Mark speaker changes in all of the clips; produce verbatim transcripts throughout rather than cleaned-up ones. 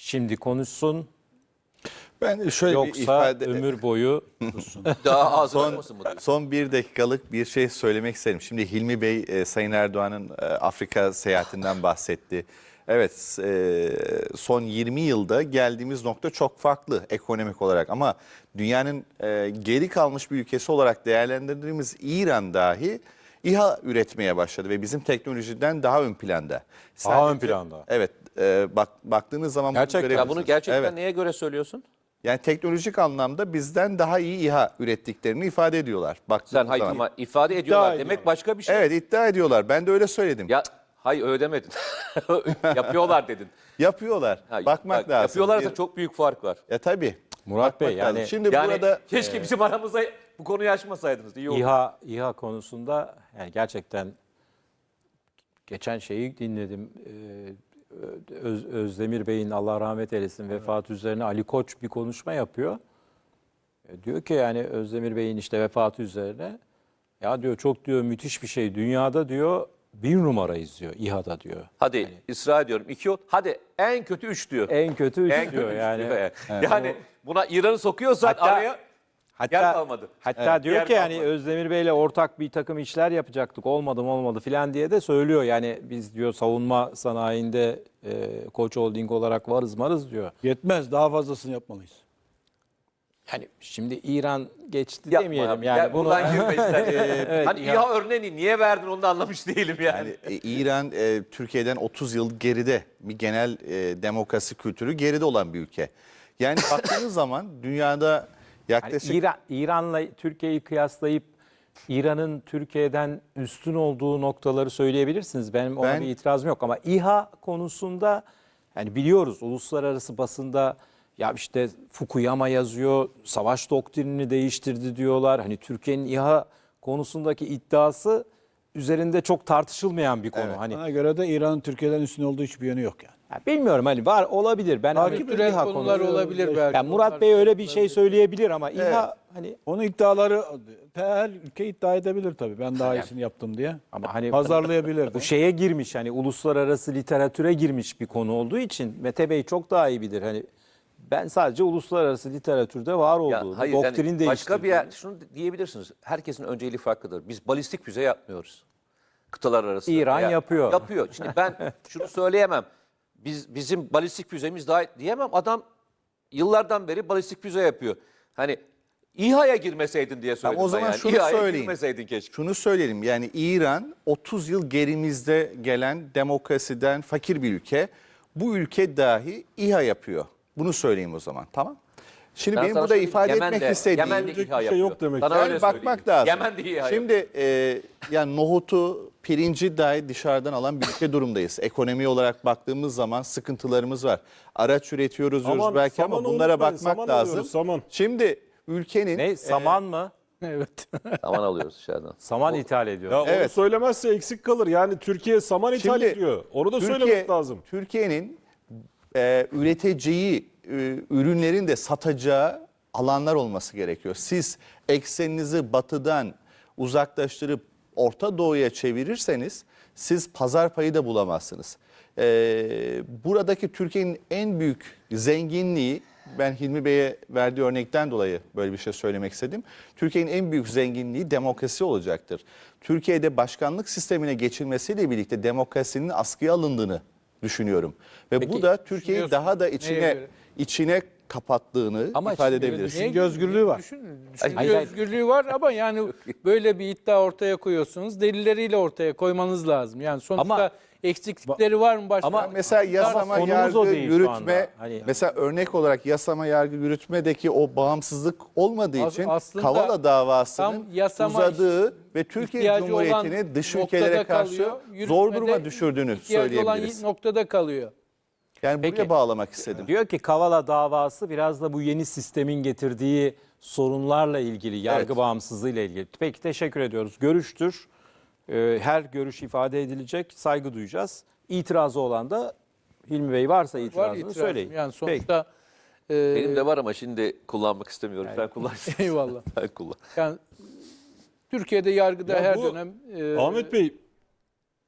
Speaker 1: şimdi konuşsun
Speaker 2: Ben şöyle bir
Speaker 1: yoksa
Speaker 2: ifade...
Speaker 1: ömür boyu
Speaker 3: Daha az
Speaker 2: Son,
Speaker 3: olmasın mı? diyorsun?
Speaker 2: son bir dakikalık bir şey söylemek isterim. Şimdi Hilmi Bey e, Sayın Erdoğan'ın e, Afrika seyahatinden bahsetti. Evet, e, son yirmi yılda geldiğimiz nokta çok farklı ekonomik olarak. Ama dünyanın e, geri kalmış bir ülkesi olarak değerlendirdiğimiz İran dahi İHA üretmeye başladı ve bizim teknolojiden daha ön planda.
Speaker 1: Daha ön planda.
Speaker 2: Evet, e, bak baktığınız zaman bunu
Speaker 1: Gerçekten.
Speaker 3: Ya
Speaker 2: görebilirsiniz.
Speaker 3: bunu gerçekten
Speaker 2: Evet.
Speaker 3: neye göre söylüyorsun?
Speaker 2: Yani teknolojik anlamda bizden daha iyi İHA ürettiklerini ifade ediyorlar. Baktığınız
Speaker 3: Sen hayır
Speaker 2: zaman.
Speaker 3: ama ifade ediyorlar demek
Speaker 4: ediyorlar.
Speaker 3: başka bir şey.
Speaker 2: Evet, iddia ediyorlar. Ben de öyle söyledim.
Speaker 3: Ya hayır öyle demedin. Yapıyorlar dedin.
Speaker 2: Yapıyorlar.
Speaker 3: Ha,
Speaker 2: Bakmak
Speaker 3: bak,
Speaker 2: lazım.
Speaker 3: Yapıyorlarsa
Speaker 2: Bir-
Speaker 3: çok büyük fark var.
Speaker 2: Ya tabii.
Speaker 1: Murat
Speaker 2: Bakmak
Speaker 1: Bey,
Speaker 2: lazım.
Speaker 1: yani-
Speaker 2: Şimdi
Speaker 3: Yani
Speaker 2: burada
Speaker 3: keşke bizim aramızda bu konuyu açmasaydınız. İyi oldu.
Speaker 1: İHA İHA konusunda yani gerçekten geçen şeyi dinledim. Ee, Öz- Özdemir Bey'in Allah rahmet eylesin vefatı üzerine Ali Koç bir konuşma yapıyor. E, Diyor ki yani Özdemir Bey'in işte vefatı üzerine ya diyor çok diyor müthiş bir şey. Dünyada diyor bir numarayız diyor İHA'da diyor.
Speaker 3: Hadi ısrar ediyorum. iki ol. Hadi en kötü üç diyor.
Speaker 1: En kötü üç
Speaker 3: En kötü
Speaker 1: diyor
Speaker 3: üç
Speaker 1: yani.
Speaker 3: diyor yani. Yani buna İran'ı sokuyorsan
Speaker 1: Hatta-
Speaker 3: araya yer
Speaker 1: Hatta,
Speaker 3: kalmadı.
Speaker 1: hatta diyor
Speaker 3: Yer
Speaker 1: ki yani
Speaker 3: kalmadı.
Speaker 1: Özdemir Bey'le ortak bir takım işler yapacaktık. Olmadı mı olmadı filan diye de söylüyor. Yani biz diyor savunma sanayinde e, Koç Holding olarak varız marız diyor.
Speaker 4: Yetmez, daha fazlasını yapmalıyız.
Speaker 1: Yani şimdi İran geçti
Speaker 3: Yapma
Speaker 1: demeyelim
Speaker 3: abi.
Speaker 1: yani
Speaker 3: Gel
Speaker 1: bunu.
Speaker 3: buradan girme istersen.
Speaker 1: Evet,
Speaker 3: hani
Speaker 1: İHA-
Speaker 3: İHA örneğini niye verdin onu da anlamış değilim yani.
Speaker 2: yani e, İran e, Türkiye'den otuz yıl geride, bir genel e, demokrasi kültürü geride olan bir ülke. Yani baktığınız zaman dünyada
Speaker 1: Yani
Speaker 2: yaklaşık
Speaker 1: İran, İran'la Türkiye'yi kıyaslayıp İran'ın Türkiye'den üstün olduğu noktaları söyleyebilirsiniz. Benim ona
Speaker 2: Ben-
Speaker 1: bir itirazım yok ama İHA konusunda yani biliyoruz uluslararası basında ya işte Fukuyama yazıyor, savaş doktrinini değiştirdi diyorlar. Hani Türkiye'nin İHA konusundaki iddiası üzerinde çok tartışılmayan bir konu.
Speaker 2: Evet.
Speaker 1: Hani
Speaker 4: Bana göre de İran'ın Türkiye'den üstün olduğu hiçbir yönü yok yani.
Speaker 1: ya bilmiyorum hani var olabilir. Ben
Speaker 4: Takip
Speaker 1: hani
Speaker 4: edilen
Speaker 1: İHA
Speaker 4: konular
Speaker 1: konusu-
Speaker 4: olabilir belki.
Speaker 1: Yani Murat
Speaker 4: Onlar
Speaker 1: Bey öyle bir şey söyleyebilir ama İHA hani
Speaker 4: Onun iddiaları her ülke iddia edebilir tabii. Ben daha iyisini yaptım diye.
Speaker 1: ama hani
Speaker 4: Pazarlayabilir de.
Speaker 1: bu şeye girmiş hani uluslararası literatüre girmiş bir konu olduğu için Mete Bey çok daha iyi bilir. Hani ben sadece uluslararası literatürde var
Speaker 3: Ya
Speaker 1: olduğunu,
Speaker 3: hayır
Speaker 1: doktrin
Speaker 3: yani
Speaker 1: değiştirdiğini.
Speaker 3: başka bir yer, şunu diyebilirsiniz. Herkesin önceliği farklıdır. Biz balistik füze yapmıyoruz. Kıtalar arası.
Speaker 1: İran
Speaker 3: Veya-
Speaker 1: yapıyor.
Speaker 3: Yapıyor. Şimdi ben şunu söyleyemem. Biz bizim balistik füzemiz daha diyemem. Adam yıllardan beri balistik füze yapıyor. Hani İHA'ya girmeseydin diye söyledim
Speaker 2: o
Speaker 3: ben
Speaker 2: zaman
Speaker 3: yani.
Speaker 2: şunu
Speaker 3: İHA'ya
Speaker 2: söyleyeyim.
Speaker 3: girmeseydin keşke.
Speaker 2: şunu söyleyelim. Yani İran otuz yıl gerimizde gelen demokrasiden fakir bir ülke. Bu ülke dahi İHA yapıyor. Bunu söyleyeyim o zaman. Tamam. Şimdi
Speaker 3: Ben
Speaker 2: benim
Speaker 3: sana
Speaker 2: burada
Speaker 3: söyleyeyim,
Speaker 2: ifade
Speaker 3: Yemen'de-
Speaker 2: etmek istediğim
Speaker 3: Yemen'de
Speaker 4: Söyleyecek
Speaker 3: İHA
Speaker 4: bir şey
Speaker 3: yapıyor.
Speaker 4: yok demek.
Speaker 3: Sana
Speaker 2: Yani
Speaker 3: öyle
Speaker 2: bakmak
Speaker 3: söyleyeyim.
Speaker 2: lazım.
Speaker 3: Yemen'de İHA yapıyor.
Speaker 2: Şimdi e, yani nohutu, pirinci dahi dışarıdan alan bir ülke durumdayız. Ekonomi olarak baktığımız zaman sıkıntılarımız var. Araç üretiyoruz diyoruz
Speaker 5: Aman,
Speaker 2: belki ama
Speaker 5: saman
Speaker 2: bunlara
Speaker 5: unutmayın,
Speaker 2: bakmak
Speaker 5: saman
Speaker 2: lazım.
Speaker 5: alıyoruz, saman.
Speaker 2: Şimdi ülkenin
Speaker 1: Ne saman mı?
Speaker 4: Evet.
Speaker 3: Aman alıyoruz dışarıdan.
Speaker 1: Saman ithal ediyor.
Speaker 5: Ya onu
Speaker 2: Evet.
Speaker 5: söylemezse eksik kalır. Yani Türkiye saman ithal
Speaker 2: Şimdi
Speaker 5: ediyor. Onu da
Speaker 2: Türkiye-
Speaker 5: söylemek lazım.
Speaker 2: Türkiye'nin e, üreteceği e, ürünlerin de satacağı alanlar olması gerekiyor. Siz ekseninizi batıdan uzaklaştırıp Orta Doğu'ya çevirirseniz siz pazar payı da bulamazsınız. E, buradaki Türkiye'nin en büyük zenginliği, ben Hilmi Bey'e verdiği örnekten dolayı böyle bir şey söylemek istedim. Türkiye'nin en büyük zenginliği demokrasi olacaktır. Türkiye'de başkanlık sistemine geçilmesiyle birlikte demokrasinin askıya alındığını düşünüyorum. Ve bu da Türkiye'yi
Speaker 4: düşünüyorsun.
Speaker 2: daha da
Speaker 4: Neye
Speaker 2: içine
Speaker 4: göre?
Speaker 2: içine kapattığını
Speaker 1: Ama
Speaker 2: ifade
Speaker 1: şimdi
Speaker 2: edebiliriz.
Speaker 4: Düşünce özgürlüğü var.
Speaker 6: Düşün,
Speaker 3: Hayır,
Speaker 6: düşünce
Speaker 1: hayır.
Speaker 6: özgürlüğü var ama yani böyle bir iddia ortaya koyuyorsunuz. Delilleriyle ortaya koymanız lazım. Yani sonuçta
Speaker 1: Ama-
Speaker 6: eksiklikleri var mı başka?
Speaker 1: Ama
Speaker 2: Mesela yasama,
Speaker 1: konumuz
Speaker 2: yargı,
Speaker 1: o değil şu
Speaker 2: yürütme,
Speaker 1: anda. Hani-
Speaker 2: mesela örnek olarak yasama, yargı, yürütmedeki o bağımsızlık olmadığı
Speaker 6: As-
Speaker 2: için
Speaker 6: aslında
Speaker 2: Kavala davasının
Speaker 6: tam yasama
Speaker 2: uzadığı ve Türkiye
Speaker 6: ihtiyacı
Speaker 2: Cumhuriyeti'ni
Speaker 6: olan
Speaker 2: dış
Speaker 6: noktada
Speaker 2: ülkelere karşı
Speaker 6: kalıyor,
Speaker 2: zor
Speaker 6: yürütmede
Speaker 2: duruma düşürdüğünü
Speaker 6: ihtiyacı olan
Speaker 2: söyleyebiliriz.
Speaker 6: noktada kalıyor.
Speaker 2: Yani
Speaker 1: Peki.
Speaker 2: buraya bağlamak istedim.
Speaker 1: Diyor ki Kavala davası biraz da bu yeni sistemin getirdiği sorunlarla ilgili, yargı
Speaker 2: Evet.
Speaker 1: bağımsızlığıyla ilgili. Peki teşekkür ediyoruz. Görüştür. Ee, Her görüş ifade edilecek, saygı duyacağız. İtirazı olan da Hilmi Bey varsa
Speaker 6: Var
Speaker 1: itirazını
Speaker 6: itirazım.
Speaker 1: söyleyin.
Speaker 6: Yani
Speaker 1: Peki.
Speaker 6: sonuçta e,
Speaker 3: Benim de var ama şimdi kullanmak istemiyorum. Sen kullansın.
Speaker 6: eyvallah.
Speaker 3: Sen kullan.
Speaker 6: Yani Türkiye'de yargıda
Speaker 5: Ya
Speaker 6: her
Speaker 5: bu-
Speaker 6: dönem e,
Speaker 5: Ahmet Bey,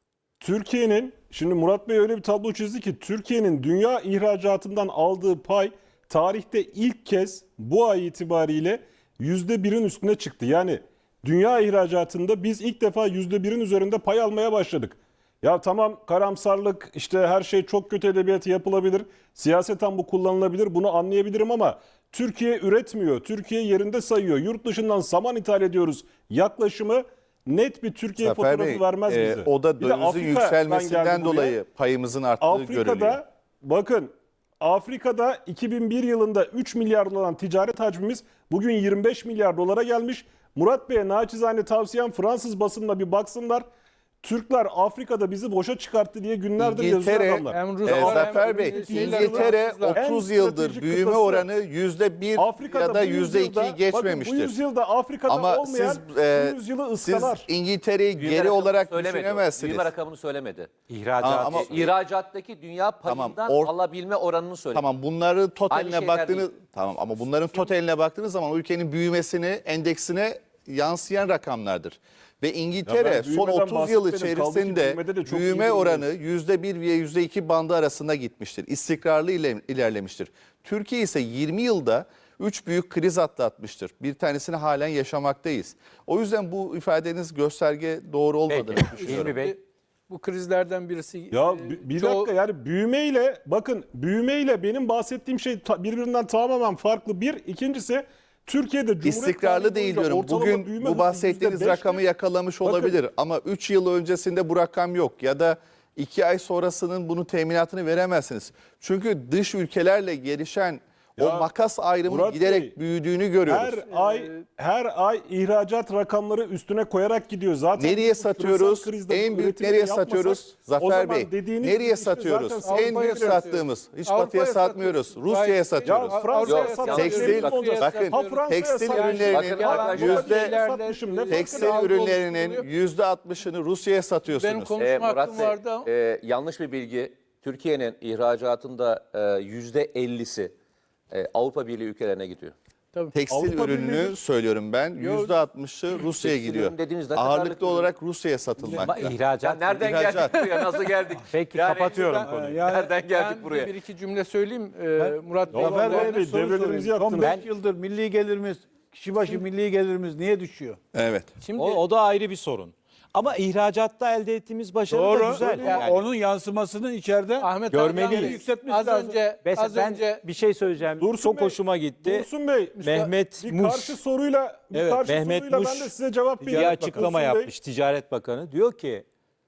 Speaker 5: Türkiye'nin, şimdi Murat Bey öyle bir tablo çizdi ki Türkiye'nin dünya ihracatından aldığı pay tarihte ilk kez bu ay itibariyle yüzde birin üstüne çıktı. Yani dünya ihracatında biz ilk defa yüzde birin üzerinde pay almaya başladık. Ya tamam, karamsarlık, işte her şey çok kötü edebiyatı yapılabilir. Siyaseten bu kullanılabilir, bunu anlayabilirim ama Türkiye üretmiyor. Türkiye yerinde sayıyor. Yurt dışından saman ithal ediyoruz yaklaşımı net bir Türkiye
Speaker 2: Zafer
Speaker 5: fotoğrafı
Speaker 2: Bey,
Speaker 5: vermez
Speaker 2: e,
Speaker 5: bize.
Speaker 2: o da
Speaker 5: Bir de
Speaker 2: dövizin
Speaker 5: Afrika'dan
Speaker 2: yükselmesinden
Speaker 5: geldi buraya.
Speaker 2: dolayı payımızın arttığı görülüyor.
Speaker 5: Afrika'da bakın, Afrika'da iki bin bir yılında üç milyar dolar ticaret hacmimiz bugün yirmi beş milyar dolara gelmiş. Murat Bey'e naçizane tavsiyem Fransız basınına bir baksınlar. Türkler Afrika'da bizi boşa çıkarttı diye günlerdir yazıyor
Speaker 2: İngiltere,
Speaker 5: adamlar.
Speaker 6: Hem
Speaker 2: e,
Speaker 6: Ruslar hem
Speaker 2: Zafer Bey,
Speaker 6: şeyler,
Speaker 2: İngiltere
Speaker 6: Fransızlar.
Speaker 5: En
Speaker 2: otuz yıldır
Speaker 5: stratejik
Speaker 2: büyüme
Speaker 5: kıtası
Speaker 2: oranı yüzde bir
Speaker 5: Afrika'da
Speaker 2: ya da
Speaker 5: bu
Speaker 2: yüzde
Speaker 5: yüzyılda-
Speaker 2: ikiyi geçmemiştir.
Speaker 5: Bakın, bu yüzyılda Afrika'da
Speaker 2: Ama
Speaker 5: olmayan
Speaker 2: siz, e,
Speaker 5: bu yüzyılı
Speaker 2: siz
Speaker 5: ıskalar.
Speaker 2: İngiltere'yi
Speaker 3: Büyüme
Speaker 2: geri
Speaker 3: rakamını
Speaker 2: olarak
Speaker 3: söylemedi o.
Speaker 2: düşünemezsiniz.
Speaker 3: Büyüme rakamını söylemedi.
Speaker 1: İhracat.
Speaker 2: Aa, ama-
Speaker 3: İhracattaki dünya
Speaker 2: Tamam,
Speaker 3: payından
Speaker 2: or-
Speaker 3: alabilme oranını söyledi.
Speaker 2: Tamam, bunları totaline
Speaker 3: şeyler
Speaker 2: baktığınız
Speaker 3: değil.
Speaker 2: tamam ama bunların totaline baktığınız zaman ülkenin büyümesini, endeksine yansıyan rakamlardır. Ve
Speaker 5: Ya
Speaker 2: İngiltere
Speaker 5: ben
Speaker 2: son
Speaker 5: büyümeden
Speaker 2: otuz yıl
Speaker 5: bahsetmedim. Kaldı ki
Speaker 2: içerisinde
Speaker 5: büyümede de çok iyi
Speaker 2: büyüme
Speaker 5: durumdayız.
Speaker 2: oranı yüzde bir ve yüzde iki bandı arasında gitmiştir. İstikrarlı ile- ilerlemiştir. Türkiye ise yirmi yılda üç büyük kriz atlatmıştır. Bir tanesini halen yaşamaktayız. O yüzden bu ifadeniz gösterge doğru olmadığını
Speaker 1: Peki.
Speaker 2: düşünüyorum.
Speaker 1: Hilmi Bey.
Speaker 6: Bu krizlerden birisi.
Speaker 5: Ya
Speaker 6: e,
Speaker 5: bir, bir
Speaker 6: çoğu-
Speaker 5: dakika, yani büyümeyle, bakın, büyümeyle benim bahsettiğim şey ta- birbirinden tamamen farklı. Bir, ikincisi Türkiye'de Cumhuriyet
Speaker 2: İstikrarlı
Speaker 5: tarihi
Speaker 2: değil
Speaker 5: boyunca
Speaker 2: diyorum.
Speaker 5: ortalama büyüme
Speaker 2: Bugün
Speaker 5: hızı
Speaker 2: bu bahsettiğiniz
Speaker 5: yüzde beşti.
Speaker 2: rakamı yakalamış
Speaker 5: Bakın-
Speaker 2: olabilir ama üç yıl öncesinde bu rakam yok ya da iki ay sonrasının bunun teminatını veremezsiniz. Çünkü dış ülkelerle gelişen o
Speaker 5: Ya,
Speaker 2: makas ayrımı
Speaker 5: Murat
Speaker 2: giderek
Speaker 5: Bey,
Speaker 2: büyüdüğünü görüyoruz.
Speaker 5: Her ay her ay ihracat rakamları üstüne koyarak gidiyor. Zaten
Speaker 2: Nereye
Speaker 5: biz bu küresel
Speaker 2: satıyoruz?
Speaker 5: krizde
Speaker 2: En
Speaker 5: bu
Speaker 2: büyük
Speaker 5: üretimi
Speaker 2: nereye
Speaker 5: yapmasak,
Speaker 2: satıyoruz?
Speaker 5: o
Speaker 2: Zafer
Speaker 5: zaman
Speaker 2: Bey.
Speaker 5: dediğiniz
Speaker 2: Nereye
Speaker 5: gibi işte
Speaker 2: satıyoruz?
Speaker 5: zaten
Speaker 2: En
Speaker 6: Avrupa'ya
Speaker 2: büyük
Speaker 6: satıyoruz.
Speaker 2: sattığımız. Hiç
Speaker 6: Avrupa'ya
Speaker 2: batıya satmıyoruz.
Speaker 6: satıyoruz.
Speaker 2: Rusya'ya
Speaker 6: Gayet-
Speaker 2: satıyoruz.
Speaker 5: Ya
Speaker 6: Yok,
Speaker 5: Fransa'ya
Speaker 6: Yok,
Speaker 5: satsak
Speaker 2: tekstil-
Speaker 5: emin mi
Speaker 2: bakın,
Speaker 5: olacağız?
Speaker 2: bakın,
Speaker 5: Ha, Fransa'ya
Speaker 2: tekstil
Speaker 5: satsak-
Speaker 2: ürünlerinin
Speaker 5: Ya,
Speaker 2: yüzde-
Speaker 5: satmışım, ne farkı
Speaker 2: Tekstil
Speaker 5: var?
Speaker 2: ürünlerinin yüzde altmışını Rusya'ya
Speaker 6: Benim
Speaker 2: satıyorsunuz.
Speaker 6: konuşma
Speaker 3: Ee, Murat
Speaker 6: hakkım
Speaker 3: Bey,
Speaker 6: vardı ama.
Speaker 3: e, yanlış bir bilgi. Türkiye'nin ihracatında e, yüzde ellisi e, Avrupa Birliği ülkelerine gidiyor.
Speaker 6: Tabii.
Speaker 2: Tekstil
Speaker 5: Avrupa
Speaker 2: ürününü
Speaker 5: Birliği-
Speaker 2: söylüyorum ben. yüzde altmışı Rusya'ya
Speaker 3: Tekstil
Speaker 2: gidiyor.
Speaker 3: ürün dediğiniz ne kadarlık
Speaker 2: Ağırlıklı
Speaker 3: ürün?
Speaker 2: olarak Rusya'ya satılmakta.
Speaker 1: Ama ihracat.
Speaker 3: Ya nereden
Speaker 2: İhracat.
Speaker 3: geldik buraya? Nasıl geldik?
Speaker 1: Peki
Speaker 3: Yani
Speaker 1: kapatıyorum
Speaker 3: ben-
Speaker 1: konuyu.
Speaker 6: Yani
Speaker 3: Nereden geldik
Speaker 6: ben
Speaker 3: buraya?
Speaker 6: Bir iki cümle söyleyeyim. Ee, Murat Bey.
Speaker 5: Zafer
Speaker 6: Ben-
Speaker 5: Bey,
Speaker 4: Soru
Speaker 5: devrelerimizi
Speaker 4: sorayım. Son
Speaker 5: yaptınız.
Speaker 4: beş yıldır milli gelirimiz, kişi başı milli gelirimiz niye düşüyor?
Speaker 2: Evet.
Speaker 6: Şimdi
Speaker 1: O, o da ayrı bir sorun. Ama ihracatta elde ettiğimiz başarı da
Speaker 4: Doğru.
Speaker 1: güzel.
Speaker 4: Yani
Speaker 1: Yani
Speaker 4: onun yansımasını içeride
Speaker 6: Ahmet
Speaker 1: görmeliyiz.
Speaker 6: Hakan Bey,
Speaker 4: Yükseltmesi
Speaker 6: az
Speaker 4: lazım.
Speaker 6: önce
Speaker 1: Mesela
Speaker 6: az
Speaker 1: ben
Speaker 6: önce
Speaker 1: bir şey söyleyeceğim.
Speaker 5: Dursun
Speaker 1: Çok
Speaker 5: Bey,
Speaker 1: hoşuma gitti.
Speaker 5: Dursun Bey,
Speaker 1: Mehmet
Speaker 5: bir
Speaker 1: Muş.
Speaker 5: karşı soruyla, bir
Speaker 1: Evet,
Speaker 5: karşı
Speaker 1: Mehmet
Speaker 5: soruyla
Speaker 1: Muş
Speaker 5: ben de size cevap vereyim.
Speaker 1: bir açıklama
Speaker 5: Dursun Bey,
Speaker 1: yapmış Ticaret Bakanı. Diyor ki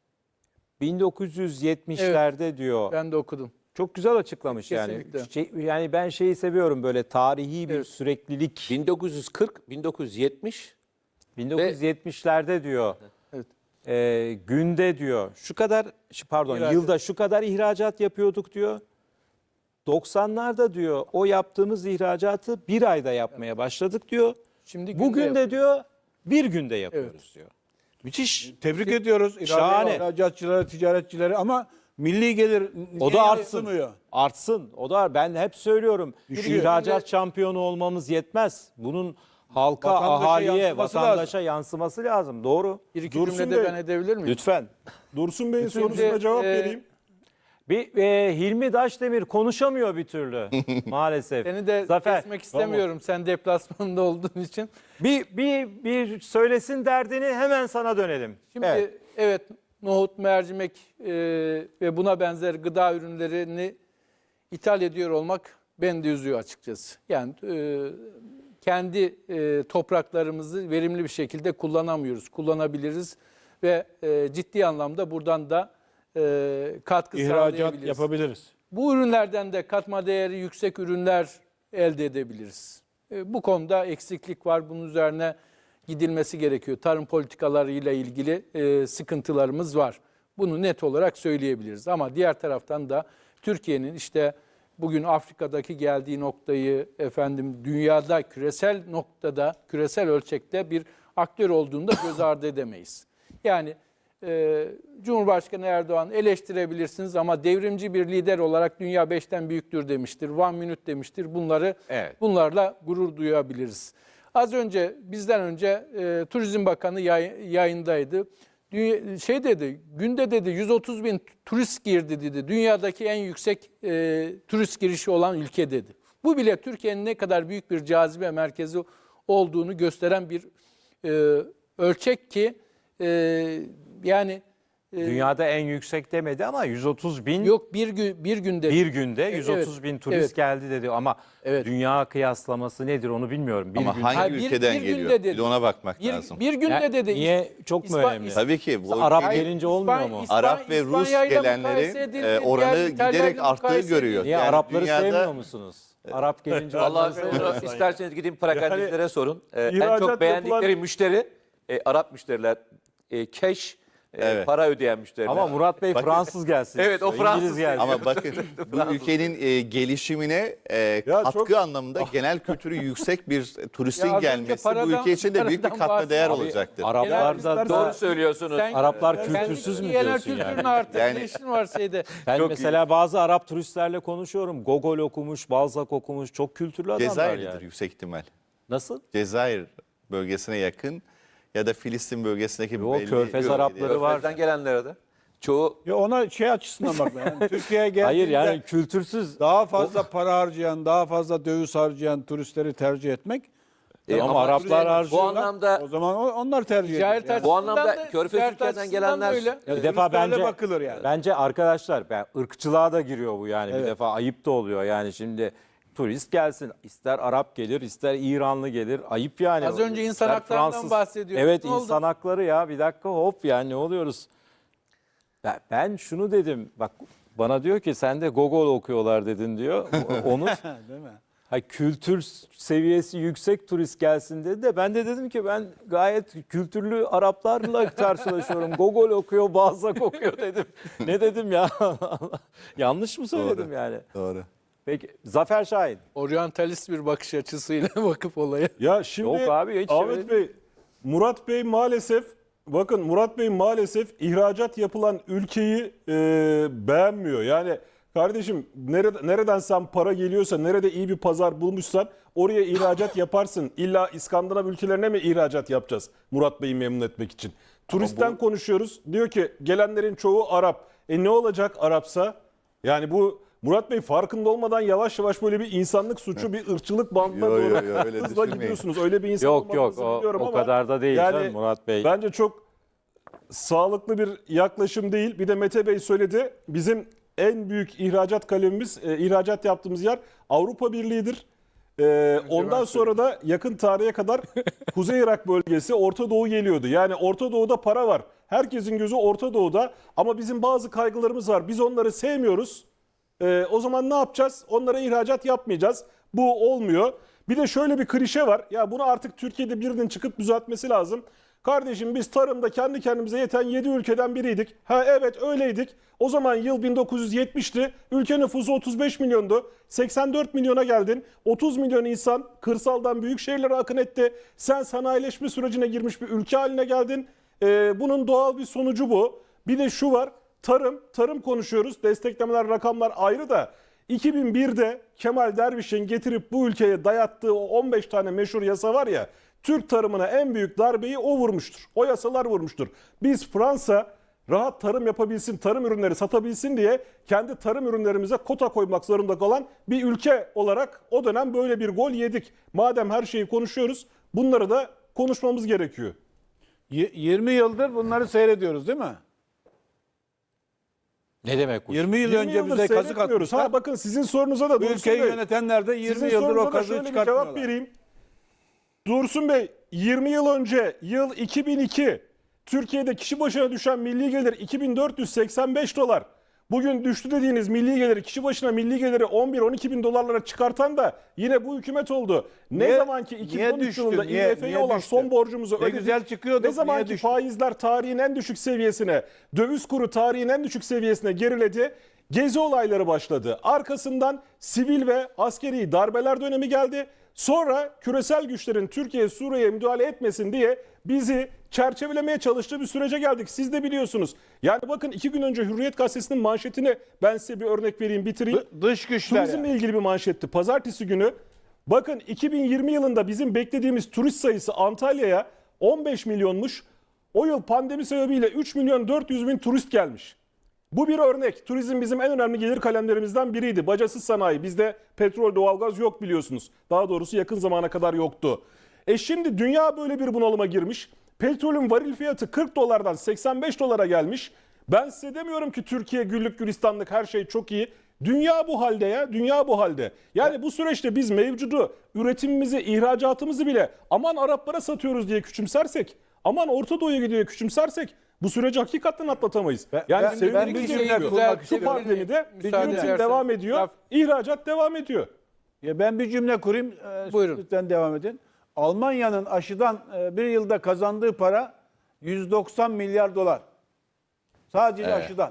Speaker 1: bin dokuz yüz yetmişlerde diyor.
Speaker 6: ben de okudum.
Speaker 1: Çok güzel açıklamış
Speaker 6: Kesinlikle.
Speaker 1: yani. Şey, yani ben şeyi seviyorum, böyle tarihi bir
Speaker 6: Evet.
Speaker 1: süreklilik.
Speaker 3: bin dokuz yüz kırk, bin dokuz yüz yetmiş
Speaker 1: bin dokuz yüz yetmişlerde diyor.
Speaker 6: Evet.
Speaker 1: e, günde diyor. Şu kadar şu- pardon
Speaker 6: İhracat.
Speaker 1: yılda şu kadar ihracat yapıyorduk diyor. doksanlarda diyor o yaptığımız ihracatı bir ayda yapmaya başladık diyor.
Speaker 6: Şimdi günde
Speaker 1: Bugün de
Speaker 6: yapıyoruz.
Speaker 1: diyor bir günde yapıyoruz diyor. Müthiş.
Speaker 4: Tebrik ediyoruz
Speaker 1: Şahane.
Speaker 4: ihracatçıları, ticaretçileri ama milli gelir
Speaker 1: O
Speaker 4: niye
Speaker 1: da artsın.
Speaker 4: yansımıyor?
Speaker 1: Artsın. O da ben hep söylüyorum.
Speaker 4: Düşüyor.
Speaker 1: İhracat şampiyonu olmamız yetmez. Bunun halka,
Speaker 4: Vatandaşa
Speaker 1: ahaliye,
Speaker 4: yansıması
Speaker 1: vatandaşa yansıması lazım. Doğru.
Speaker 6: Bir iki
Speaker 5: Dursun
Speaker 6: cümlede
Speaker 5: Bey,
Speaker 6: ben edebilir miyim?
Speaker 1: Lütfen.
Speaker 5: Dursun Bey'in
Speaker 6: Bütün
Speaker 5: sorusuna
Speaker 6: de,
Speaker 5: cevap
Speaker 6: e,
Speaker 5: vereyim.
Speaker 1: Bir e, Hilmi Daşdemir konuşamıyor bir türlü maalesef.
Speaker 6: Seni de
Speaker 1: Zafer.
Speaker 6: kesmek istemiyorum sen deplasmanda olduğun için.
Speaker 1: Bir bir bir söylesin derdini, hemen sana dönelim.
Speaker 6: Şimdi
Speaker 1: Evet.
Speaker 6: evet, nohut, mercimek e, ve buna benzer gıda ürünlerini ithal ediyor olmak beni de üzüyor açıkçası. Yani e, kendi e, topraklarımızı verimli bir şekilde kullanamıyoruz, kullanabiliriz ve e, ciddi anlamda buradan da e, katkı
Speaker 4: İhracat
Speaker 6: sağlayabiliriz.
Speaker 4: yapabiliriz.
Speaker 6: Bu ürünlerden de katma değeri yüksek ürünler elde edebiliriz. E, Bu konuda eksiklik var. Bunun üzerine gidilmesi gerekiyor. Tarım politikalarıyla ilgili e, sıkıntılarımız var. Bunu net olarak söyleyebiliriz. Ama diğer taraftan da Türkiye'nin işte bugün Afrika'daki geldiği noktayı, efendim dünyada küresel noktada, küresel ölçekte bir aktör olduğunu da göz ardı edemeyiz. Yani e, Cumhurbaşkanı Erdoğan eleştirebilirsiniz ama devrimci bir lider olarak dünya beşten büyüktür demiştir. One minute demiştir. Bunları
Speaker 3: Evet.
Speaker 6: bunlarla gurur duyabiliriz. Az önce bizden önce e, Turizm Bakanı yay- yayındaydı. Dünya, şey dedi, günde dedi yüz otuz bin turist girdi dedi. Dünyadaki en yüksek e, turist girişi olan ülke dedi. Bu bile Türkiye'nin ne kadar büyük bir cazibe merkezi olduğunu gösteren bir e, ölçek ki e, yani e,
Speaker 1: Dünyada en yüksek demedi ama yüz otuz bin
Speaker 6: yok bir gün bir günde
Speaker 1: bir günde
Speaker 6: E,
Speaker 1: yüz otuz bin turist
Speaker 6: evet.
Speaker 1: geldi dedi ama
Speaker 6: Evet.
Speaker 1: dünya kıyaslaması nedir onu bilmiyorum. Bir
Speaker 2: Ama
Speaker 1: gün-
Speaker 2: hangi
Speaker 6: Hayır, bir-
Speaker 2: ülkeden
Speaker 6: bir günde
Speaker 2: geliyor?
Speaker 6: dedi.
Speaker 2: Bir de ona bakmak
Speaker 6: bir,
Speaker 2: lazım.
Speaker 6: bir günde
Speaker 1: Ya,
Speaker 6: dedi.
Speaker 1: niye? Çok mu
Speaker 6: İspa-
Speaker 1: önemli?
Speaker 6: İs-
Speaker 2: Tabii ki bu
Speaker 1: Arap
Speaker 2: ülkenin-
Speaker 1: gelince olmuyor mu?
Speaker 6: İspanya-
Speaker 2: Arap ve Rus
Speaker 6: İspanya'yla
Speaker 2: gelenlerin
Speaker 6: mukayese edildi,
Speaker 2: e,
Speaker 6: diğer
Speaker 2: oranı
Speaker 6: İtalya'yla
Speaker 2: giderek arttığı
Speaker 6: mukayese
Speaker 2: görüyor.
Speaker 6: edildi.
Speaker 1: Niye
Speaker 2: Yani
Speaker 1: Arapları
Speaker 2: dünyada-
Speaker 1: sevmiyor musunuz? Arap gelince
Speaker 3: Vallahi
Speaker 1: Arapları sevmiyor
Speaker 3: onu
Speaker 1: musunuz?
Speaker 3: isterseniz gidin perakendecilere sorun. Ee, en
Speaker 5: İhracat
Speaker 3: çok beğendikleri
Speaker 5: yapılan-
Speaker 3: müşteri e, Arap müşteriler. E, cash, e,
Speaker 2: Evet.
Speaker 3: para ödeyen müşteriler.
Speaker 1: Ama Murat Bey Fransız gelsin.
Speaker 3: Evet, o
Speaker 1: istiyor,
Speaker 3: Fransız
Speaker 1: İngiliz gelsin.
Speaker 2: Ama bakın bu ülkenin e, gelişimine e,
Speaker 5: Ya
Speaker 2: katkı
Speaker 5: çok-
Speaker 2: anlamında genel kültü yüksek bir turistin
Speaker 6: Ya az önce
Speaker 2: gelmesi bu
Speaker 6: paradan-
Speaker 2: ülke için de büyük bir
Speaker 6: paradan
Speaker 2: katma değer
Speaker 6: bahsediyor.
Speaker 2: olacaktır.
Speaker 1: Araplar da,
Speaker 6: Genel-
Speaker 3: Doğru
Speaker 1: da
Speaker 3: söylüyorsunuz.
Speaker 6: Sen-
Speaker 1: Araplar
Speaker 6: sen
Speaker 1: kültürsüz mü
Speaker 6: genel
Speaker 1: diyorsun
Speaker 6: kültürün
Speaker 1: yani?
Speaker 6: artık
Speaker 2: Yani-
Speaker 6: ne işin var şeyde.
Speaker 1: ben
Speaker 3: Çok
Speaker 1: mesela bazı Arap turistlerle konuşuyorum. Gogol okumuş, Balzac okumuş. Çok kültürlü adamlar
Speaker 2: Cezayir'dir
Speaker 1: yani.
Speaker 2: yüksek ihtimal.
Speaker 1: Nasıl?
Speaker 2: Cezayir bölgesine yakın ya da Filistin bölgesindeki
Speaker 1: Yo,
Speaker 2: belli
Speaker 1: Körfez
Speaker 2: bölge-
Speaker 1: Arapları var.
Speaker 3: Körfez'den gelenlere de. Çoğu
Speaker 4: Ya ona şey açısından bak. Yani Türkiye'ye geldiğinde
Speaker 1: Hayır yani kültürsüz.
Speaker 4: daha fazla para harcayan, daha fazla döviz harcayan turistleri tercih etmek.
Speaker 3: E,
Speaker 1: ama
Speaker 3: ama
Speaker 1: Araplar
Speaker 3: bu
Speaker 1: harcıyorlar.
Speaker 3: anlamda
Speaker 4: O zaman o- onlar tercih
Speaker 6: Ticaret
Speaker 4: ediyor. Yani.
Speaker 3: Bu anlamda
Speaker 6: açısından da-
Speaker 3: Körfez
Speaker 6: ticaret
Speaker 3: ülkelerden
Speaker 6: açısından da
Speaker 3: gelenler-
Speaker 6: öyle.
Speaker 1: Ya bir defa
Speaker 4: Turistlerle
Speaker 1: bence
Speaker 4: bakılır yani.
Speaker 1: bence arkadaşlar ben ırkçılığa da giriyor bu yani bir
Speaker 4: Evet.
Speaker 1: defa ayıp da oluyor yani şimdi turist gelsin ister Arap gelir ister İranlı gelir ayıp yani.
Speaker 6: Az önce insan
Speaker 1: İster
Speaker 6: haklarından bahsediyorduk.
Speaker 1: Evet
Speaker 6: Ne oldu?
Speaker 1: insan hakları ya bir dakika hop yani ne oluyoruz? Ben, ben şunu dedim bak bana diyor ki sen de Gogol okuyorlar dedin diyor. Onu
Speaker 4: Değil mi?
Speaker 1: ha, kültür seviyesi yüksek turist gelsin dedi de ben de dedim ki ben gayet kültürlü Araplarla karşılaşıyorum. Gogol okuyor, Balzac okuyor dedim. Ne dedim ya? Yanlış mı söyledim yani?
Speaker 2: Doğru.
Speaker 1: Peki Zafer Şahin.
Speaker 6: Oryantalist bir bakış açısıyla bakıp olaya.
Speaker 5: Ya şimdi
Speaker 1: Yok abi, hiç
Speaker 5: Ahmet
Speaker 1: öyle
Speaker 5: Bey, Murat Bey maalesef bakın Murat Bey maalesef ihracat yapılan ülkeyi e, beğenmiyor. Yani kardeşim nerede, nereden sen para geliyorsa, nerede iyi bir pazar bulmuşsan oraya ihracat yaparsın. İlla İskandinav ülkelerine mi ihracat yapacağız Murat Bey'i memnun etmek için? Turistten konuşuyoruz. Diyor ki gelenlerin çoğu Arap. E ne olacak Arapsa? Yani bu Murat Bey farkında olmadan yavaş yavaş böyle bir insanlık suçu, bir ırkçılık bandına
Speaker 2: Yo, yo,
Speaker 5: doğru
Speaker 2: yo, öyle
Speaker 5: hızla
Speaker 2: düşünmeyin.
Speaker 5: gidiyorsunuz. Öyle bir insan
Speaker 1: Yok, yok,
Speaker 5: olmadığınızı
Speaker 1: o-
Speaker 5: biliyorum
Speaker 1: o
Speaker 5: ama
Speaker 1: kadar da değil canım Murat Bey.
Speaker 5: Bence çok sağlıklı bir yaklaşım değil. Bir de Mete Bey söyledi. Bizim en büyük ihracat kalemimiz, e, ihracat yaptığımız yer Avrupa Birliği'dir. E, ondan sonra da yakın tarihe kadar Kuzey Irak bölgesi, Orta Doğu geliyordu. Yani Orta Doğu'da para var. Herkesin gözü Orta Doğu'da ama bizim bazı kaygılarımız var. Biz onları sevmiyoruz. Ee, o zaman ne yapacağız? Onlara ihracat yapmayacağız. Bu olmuyor. Bir de şöyle bir klişe var. Ya bunu artık Türkiye'de birinin çıkıp düzeltmesi lazım. Kardeşim biz tarımda kendi kendimize yeten yedi ülkeden biriydik. Ha evet öyleydik. O zaman yıl bin dokuz yüz yetmişti. Ülke nüfusu otuz beş milyondu. seksen dört milyona geldin. otuz milyon insan kırsaldan büyük şehirlere akın etti. Sen sanayileşme sürecine girmiş bir ülke haline geldin. Ee, bunun doğal bir sonucu bu. Bir de şu var. Tarım, tarım konuşuyoruz. Desteklemeler, rakamlar ayrı da iki bin birde Kemal Derviş'in getirip bu ülkeye dayattığı o on beş tane meşhur yasa var ya, Türk tarımına en büyük darbeyi o vurmuştur. O yasalar vurmuştur. Biz Fransa rahat tarım yapabilsin, tarım ürünleri satabilsin diye kendi tarım ürünlerimize kota koymak zorunda kalan bir ülke olarak o dönem böyle bir gol yedik. Madem her şeyi konuşuyoruz, bunları da konuşmamız gerekiyor.
Speaker 4: Y- yirmi yıldır bunları seyrediyoruz değil mi?
Speaker 1: Ne demek bu?
Speaker 4: yirmi yıl
Speaker 5: yirmi
Speaker 4: önce
Speaker 5: yıldır
Speaker 4: bize kazık
Speaker 5: seyretmiyoruz.
Speaker 4: atmışlar.
Speaker 5: Ha bakın sizin sorunuza da
Speaker 4: Bu
Speaker 5: Dursun
Speaker 4: ülkeyi
Speaker 5: Bey,
Speaker 4: yönetenler de yirmi
Speaker 5: sizin
Speaker 4: yıldır o
Speaker 5: sorunuza da
Speaker 4: kazığı
Speaker 5: şöyle bir
Speaker 4: çıkartmıyorlar.
Speaker 5: cevap vereyim. Dursun Bey, yirmi yıl önce yıl iki bin iki Türkiye'de kişi başına düşen milli gelir iki bin dört yüz seksen beş dolar. Bugün düştü dediğiniz milli geliri, kişi başına milli geliri on bir on iki bin dolarlara çıkartan da yine bu hükümet oldu. Ne
Speaker 4: Niye-
Speaker 5: zaman ki iki bin on üç
Speaker 4: niye düştü,
Speaker 5: yılında
Speaker 4: niye-
Speaker 5: I M F'ye
Speaker 4: niye
Speaker 5: olan
Speaker 4: düştü?
Speaker 5: son borcumuzu
Speaker 4: Ne
Speaker 5: ödedik.
Speaker 4: güzel çıkıyorduk,
Speaker 5: Ne zaman
Speaker 4: niye
Speaker 5: ki
Speaker 4: düştü?
Speaker 5: faizler tarihin en düşük seviyesine, döviz kuru tarihin en düşük seviyesine geriledi. Gezi olayları başladı. Arkasından sivil ve askeri darbeler dönemi geldi. Sonra küresel güçlerin Türkiye, Suriye'ye müdahale etmesin diye bizi çerçevelemeye çalıştığı bir sürece geldik. Siz de biliyorsunuz. Yani bakın iki gün önce Hürriyet Gazetesi'nin manşetini ben size bir örnek vereyim, bitireyim.
Speaker 4: Dı- Dış güçler.
Speaker 5: Turizmle
Speaker 4: yani.
Speaker 5: ilgili bir manşetti. Pazartesi günü bakın iki bin yirmi yılında bizim beklediğimiz turist sayısı Antalya'ya on beş milyonmuş. O yıl pandemi sebebiyle üç milyon dört yüz bin turist gelmiş. Bu bir örnek. Turizm bizim en önemli gelir kalemlerimizden biriydi. Bacasız sanayi. Bizde petrol, doğalgaz yok biliyorsunuz. Daha doğrusu yakın zamana kadar yoktu. E şimdi dünya böyle bir bunalıma girmiş. Petrolün varil fiyatı kırk dolardan seksen beş dolara gelmiş. Ben size demiyorum ki Türkiye güllük gülistanlık, her şey çok iyi. Dünya bu halde ya, dünya bu halde. Yani bu süreçte biz mevcudu, üretimimizi, ihracatımızı bile aman Araplara satıyoruz diye küçümsersek, aman Orta Doğu'ya gidiyor diye küçümsersek bu süreci hakikaten atlatamayız.
Speaker 4: Ben-
Speaker 5: Yani
Speaker 4: ben-
Speaker 5: sevindiğim
Speaker 4: ben bir
Speaker 5: şey
Speaker 4: cümle
Speaker 5: şu,
Speaker 4: kurmak
Speaker 5: şu
Speaker 4: istiyorum.
Speaker 5: pandemide
Speaker 6: Müsaade
Speaker 5: üretim
Speaker 6: edersen.
Speaker 5: devam ediyor,
Speaker 6: Laf-
Speaker 5: ihracat devam ediyor.
Speaker 4: Ya ben bir cümle kurayım. E,
Speaker 6: Buyurun.
Speaker 4: Lütfen devam edin. Almanya'nın aşıdan e, bir yılda kazandığı para yüz doksan milyar dolar. Sadece aşıdan.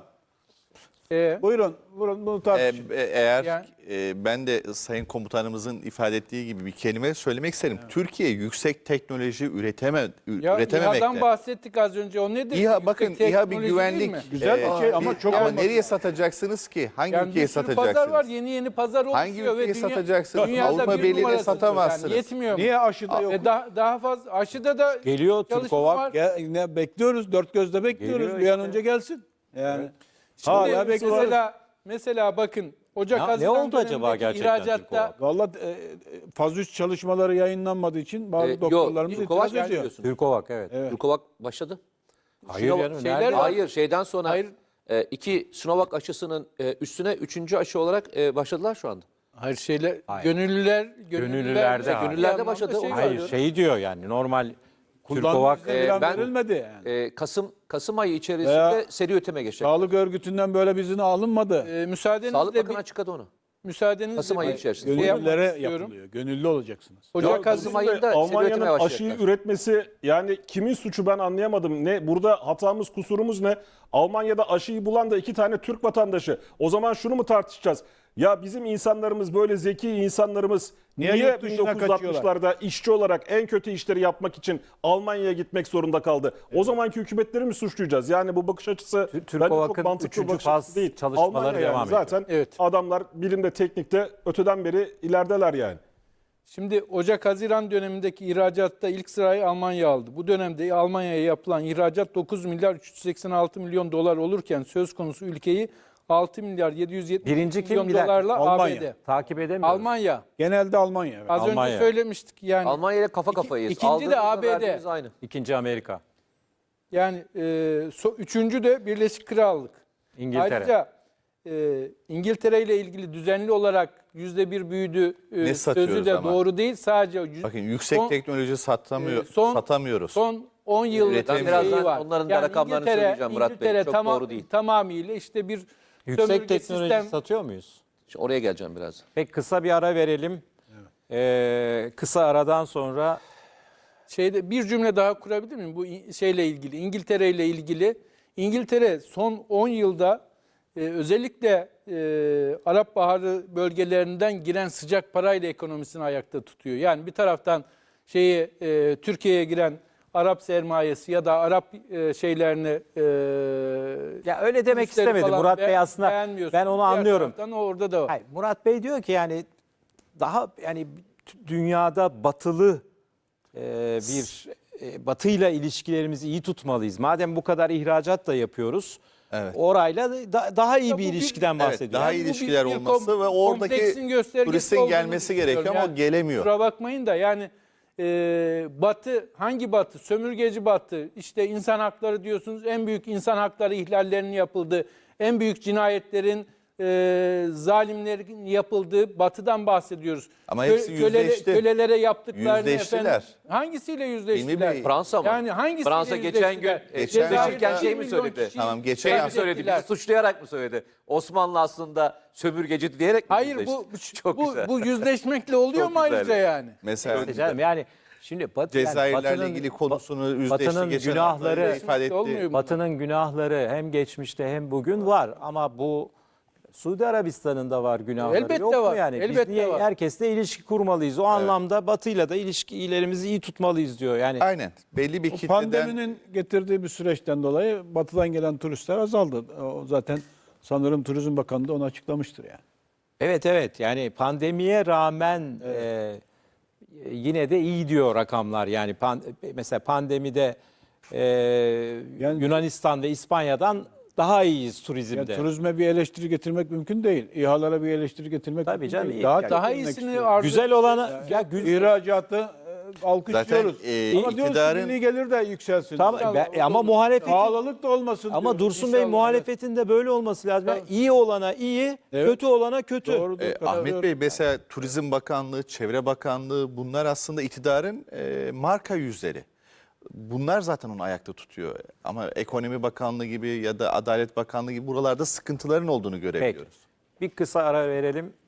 Speaker 6: Ee,
Speaker 4: Buyurun, buyurun bunu
Speaker 2: E,
Speaker 4: tartışın.
Speaker 2: e, eğer
Speaker 6: Yani-
Speaker 2: e, ben de Sayın Komutanımızın ifade ettiği gibi bir kelime söylemek isterim. Türkiye yüksek teknoloji üreteme, ü-
Speaker 6: ya
Speaker 2: üretememekte.
Speaker 6: İHA'dan bahsettik az önce. O nedir?
Speaker 2: İHA,
Speaker 6: Yüksek
Speaker 2: bakın İHA bir
Speaker 6: teknoloji değil
Speaker 2: güvenlik.
Speaker 6: mi?
Speaker 4: Güzel bir şey ama çok
Speaker 2: ama
Speaker 4: olmasın.
Speaker 2: nereye satacaksınız ki? Hangi
Speaker 6: Yani
Speaker 2: ülkeye
Speaker 6: bir sürü
Speaker 2: satacaksınız?
Speaker 6: pazar var. Yeni yeni pazar oluşuyor.
Speaker 2: Hangi ülkeye
Speaker 6: ve dünya-
Speaker 2: satacaksınız?
Speaker 6: dünyada
Speaker 2: Avrupa
Speaker 6: bir
Speaker 2: Birliği'ne
Speaker 6: numarasıdır.
Speaker 2: satamazsınız.
Speaker 6: Yani yetmiyor mu?
Speaker 4: Niye aşıda yok?
Speaker 6: E, daha, daha fazla. Aşıda da
Speaker 1: Geliyor
Speaker 6: çalışma
Speaker 1: Türkovak.
Speaker 6: var.
Speaker 4: Ya, ne bekliyoruz, dört gözle bekliyoruz.
Speaker 1: Geliyor
Speaker 4: Bir an
Speaker 1: işte.
Speaker 4: önce gelsin. Yani
Speaker 6: Şimdi
Speaker 4: hala bekliyoruz.
Speaker 6: mesela, mesela bakın Ocak
Speaker 1: Ne- ne
Speaker 6: Haziran
Speaker 1: oldu acaba
Speaker 6: dönemindeki
Speaker 1: gerçekten
Speaker 6: ihracatta
Speaker 1: Türkovak?
Speaker 4: Vallahi e, faz üç çalışmaları yayınlanmadığı için bazı
Speaker 3: Ee, yok,
Speaker 4: doktorlarımız
Speaker 3: Türkovak
Speaker 4: itiraz ediyor.
Speaker 3: diyorsun.
Speaker 1: Türkovak evet.
Speaker 3: Türkovak başladı.
Speaker 1: Hayır
Speaker 3: Sinovac-
Speaker 1: canım,
Speaker 6: şeyler
Speaker 1: nerede?
Speaker 6: var.
Speaker 3: Hayır, şeyden sonra
Speaker 6: Hayır.
Speaker 3: e, iki Sinovac aşısının e, üstüne üçüncü aşı olarak e, başladılar şu anda.
Speaker 6: hayır şeyler
Speaker 1: Hayır.
Speaker 6: gönüllüler
Speaker 1: Gönüllülerde hayır.
Speaker 3: Gönüllülerde başladı.
Speaker 6: Şey
Speaker 1: Hayır
Speaker 6: var.
Speaker 1: şey diyor yani normal Türkovak
Speaker 4: Kullanıcı
Speaker 3: e,
Speaker 4: falan
Speaker 3: ben-
Speaker 4: verilmedi yani.
Speaker 3: E, Kasım Kasım ayı içerisinde
Speaker 4: Veya-
Speaker 3: seri üretime geçecek.
Speaker 4: Sağlık örgütünden böyle bir izin alınmadı.
Speaker 6: Ee,
Speaker 3: Sağlık
Speaker 6: müsaadenizle
Speaker 3: Bakanı
Speaker 6: bir,
Speaker 3: açıkladı onu.
Speaker 6: müsaadenizle
Speaker 3: Kasım ayı
Speaker 6: bir
Speaker 3: içerisinde.
Speaker 6: şey yapmak
Speaker 4: Gönüllülere
Speaker 6: istiyorum.
Speaker 4: yapılıyor. Gönüllü olacaksınız.
Speaker 6: Ocak
Speaker 5: Ya,
Speaker 6: Haziran
Speaker 3: Kasım ayında seri
Speaker 5: Almanya'nın
Speaker 3: üretime
Speaker 5: aşıyı
Speaker 3: başlayacaklar.
Speaker 5: üretmesi, yani kimin suçu ben anlayamadım. Ne burada hatamız, kusurumuz ne? Almanya'da aşıyı bulan da iki tane Türk vatandaşı. O zaman şunu mu tartışacağız? Ya bizim insanlarımız, böyle zeki insanlarımız
Speaker 4: Niye
Speaker 5: niye,
Speaker 4: yurt dışına
Speaker 5: bin dokuz yüz altmışlarda işçi olarak en kötü işleri yapmak için Almanya'ya gitmek zorunda kaldı? O zamanki hükümetleri mi suçlayacağız? Yani bu bakış açısı bence
Speaker 1: Türkovak'ın
Speaker 5: çok mantıklı bir
Speaker 1: üçüncü
Speaker 5: bakış
Speaker 1: faz
Speaker 5: açısı değil.
Speaker 1: çalışmaları
Speaker 5: Almanya
Speaker 1: devam
Speaker 5: yani
Speaker 1: ediyor.
Speaker 5: zaten
Speaker 6: Evet.
Speaker 5: adamlar bilimde, teknikte öteden beri ilerideler yani.
Speaker 6: Şimdi Ocak-Haziran dönemindeki ihracatta ilk sırayı Almanya aldı. Bu dönemde Almanya'ya yapılan ihracat dokuz milyar üç yüz seksen altı milyon dolar olurken söz konusu ülkeyi altı milyar yedi yüz yetmiş
Speaker 1: Birinci kim?
Speaker 6: milyon
Speaker 1: Bir dakika.
Speaker 6: dolarla
Speaker 4: Almanya.
Speaker 6: A B D.
Speaker 1: takip edemiyoruz.
Speaker 6: Almanya.
Speaker 4: Genelde Almanya. evet.
Speaker 6: Az
Speaker 1: Almanya.
Speaker 6: önce söylemiştik yani.
Speaker 3: Almanya ile kafa kafayız.
Speaker 6: ikinci de
Speaker 3: Aldığımızla
Speaker 6: A B D.
Speaker 3: verdiğimiz aynı.
Speaker 1: İkinci Amerika.
Speaker 6: Yani e, so- üçüncü de Birleşik Krallık.
Speaker 1: İngiltere.
Speaker 6: Ayrıca e, İngiltere ile ilgili düzenli olarak yüzde bir büyüdü e,
Speaker 2: Ne
Speaker 6: sözü
Speaker 2: satıyoruz
Speaker 6: de
Speaker 2: ama?
Speaker 6: doğru değil. Sadece yüz-
Speaker 2: Bakın yüksek
Speaker 6: son-
Speaker 2: teknoloji satamıyor,
Speaker 6: e, son-
Speaker 2: satamıyoruz.
Speaker 6: Son on yıllık
Speaker 2: Üretim-
Speaker 6: şeyi
Speaker 3: Birazdan
Speaker 6: var.
Speaker 3: onların da rakamlarını
Speaker 6: İngiltere-
Speaker 3: söyleyeceğim Murat Bey.
Speaker 6: İngiltere
Speaker 3: Çok
Speaker 6: tamam-
Speaker 3: doğru değil.
Speaker 6: Tamamıyla işte bir
Speaker 1: Yüksek
Speaker 6: sömürge
Speaker 1: teknoloji
Speaker 6: sistem.
Speaker 1: satıyor muyuz?
Speaker 3: Şimdi oraya geleceğim biraz.
Speaker 1: Peki kısa bir ara verelim. Ee, kısa aradan sonra
Speaker 6: Şeyde bir cümle daha kurabilir miyim bu İ- şeyle ilgili? İngiltere ile ilgili. İngiltere son on yılda e, özellikle e, Arap Baharı bölgelerinden giren sıcak parayla ekonomisini ayakta tutuyor. Yani bir taraftan şeyi e, Türkiye'ye giren Arap sermayesi ya da Arap e, şeylerini e,
Speaker 1: ya öyle demek
Speaker 6: turistleri
Speaker 1: istemedi
Speaker 6: falan
Speaker 1: Murat Bey
Speaker 6: be-
Speaker 1: aslında.
Speaker 6: beğenmiyorsun.
Speaker 1: Ben onu
Speaker 6: Diğer
Speaker 1: anlıyorum.
Speaker 6: taraftan orada da var.
Speaker 1: Hayır, Murat Bey diyor ki yani daha yani dünyada batılı e, bir e, batıyla ilişkilerimizi iyi tutmalıyız. Madem bu kadar ihracat da yapıyoruz.
Speaker 2: Evet.
Speaker 1: Orayla da- daha iyi
Speaker 6: Ya
Speaker 1: bir
Speaker 6: bu bir-
Speaker 1: ilişkiden
Speaker 2: Evet,
Speaker 1: bahsediyor.
Speaker 2: daha
Speaker 6: Yani
Speaker 2: iyi
Speaker 6: bu bir-
Speaker 2: ilişkiler
Speaker 6: bir
Speaker 2: olması
Speaker 6: kom-
Speaker 2: ve oradaki
Speaker 6: kompleksin göstergesi
Speaker 2: turistin
Speaker 6: olduğunu
Speaker 2: gelmesi gerekiyor
Speaker 6: düşünüyorum.
Speaker 2: ama o gelemiyor.
Speaker 6: Kusura bakmayın da yani e, Batı hangi Batı? Sömürgeci Batı. İşte insan hakları diyorsunuz. En büyük insan hakları ihlallerinin yapıldığı, en büyük cinayetlerin e, zalimlerin yapıldığı Batı'dan bahsediyoruz.
Speaker 2: Ama
Speaker 6: Kö-
Speaker 2: hepsi yüzleşti.
Speaker 6: Kölelere yaptıklarını
Speaker 2: Yüzleştiler.
Speaker 6: efendim. Hangisiyle
Speaker 2: Hilmi
Speaker 6: yüzleştiler?
Speaker 2: Bey,
Speaker 3: Fransa mı?
Speaker 6: Yani hangisiyle
Speaker 3: Fransa geçen gün
Speaker 6: yüzleştiler?
Speaker 3: e,
Speaker 2: Geçen
Speaker 3: yüzleşirken
Speaker 2: hafta-
Speaker 3: şey mi söyledi?
Speaker 2: Tamam, geçen
Speaker 3: Şey mi
Speaker 2: hafta-
Speaker 3: söyledi? Bizi suçlayarak mı söyledi? Osmanlı aslında sömürgeci diyerek mi
Speaker 6: Hayır bu
Speaker 3: yüzleşti? Çok
Speaker 6: bu,
Speaker 3: güzel.
Speaker 6: bu yüzleşmekle oluyor
Speaker 3: Çok
Speaker 6: mu
Speaker 3: güzel.
Speaker 6: ayrıca yani?
Speaker 2: Mesela
Speaker 1: İşte canım yani şimdi Batı, yani
Speaker 2: Cezayirlerle
Speaker 1: Batı'nın-
Speaker 2: ilgili konusunu yüzleşti.
Speaker 1: Batı'nın
Speaker 2: geçen
Speaker 1: günahları-
Speaker 2: hafta ifade etti.
Speaker 6: Olmuyor mu?
Speaker 1: Batı'nın günahları hem geçmişte hem bugün var ama bu Suudi Arabistan'ın da var günahları.
Speaker 6: Elbette
Speaker 1: yok mu
Speaker 6: var,
Speaker 1: yani? Biz
Speaker 6: elbette
Speaker 1: niye
Speaker 6: var.
Speaker 1: herkesle ilişki kurmalıyız? O anlamda Batı'yla da ilişkilerimizi iyi tutmalıyız diyor. Yani
Speaker 2: Aynen. Belli bir
Speaker 4: Bu
Speaker 2: kitleden
Speaker 4: pandeminin getirdiği bir süreçten dolayı batıdan gelen turistler azaldı. O zaten sanırım Turizm Bakanı da onu açıklamıştır yani.
Speaker 1: evet evet yani pandemiye rağmen e, yine de iyi diyor rakamlar. Yani pan- mesela pandemide e,
Speaker 4: Yani-
Speaker 1: Yunanistan ve İspanya'dan daha iyiyiz
Speaker 4: Yani
Speaker 1: turizmde.
Speaker 4: turizme bir eleştiri getirmek mümkün değil. İHA'lara bir eleştiri getirmek
Speaker 1: Tabii
Speaker 4: mümkün
Speaker 1: canım,
Speaker 4: değil.
Speaker 1: iyi.
Speaker 4: Daha,
Speaker 1: Yani-
Speaker 6: Daha
Speaker 4: getirmek
Speaker 6: iyisini
Speaker 4: istiyoruz.
Speaker 6: arzu
Speaker 1: Güzel olana ya güzel.
Speaker 4: İhracatı e, alkışlıyoruz.
Speaker 2: Zaten, e,
Speaker 4: ama diyoruz ki
Speaker 2: iktidarın-
Speaker 4: milli gelir de yükselsin.
Speaker 1: Tamam, ben- ama muhalefetin
Speaker 4: Pahalılık da olmasın
Speaker 1: ama
Speaker 4: diyoruz.
Speaker 1: Dursun Bey
Speaker 4: İnşallah.
Speaker 1: muhalefetin de böyle olması lazım. Yani iyi olana iyi,
Speaker 4: Evet.
Speaker 1: kötü olana kötü.
Speaker 4: Doğrudur,
Speaker 2: E,
Speaker 4: katılıyorum.
Speaker 2: Ahmet Bey mesela Turizm Bakanlığı, Çevre Bakanlığı bunlar aslında iktidarın e, marka yüzleri. Bunlar zaten onu ayakta tutuyor. Ama Ekonomi Bakanlığı gibi ya da Adalet Bakanlığı gibi buralarda sıkıntıların olduğunu
Speaker 1: Peki.
Speaker 2: görebiliyoruz.
Speaker 1: Bir kısa ara verelim.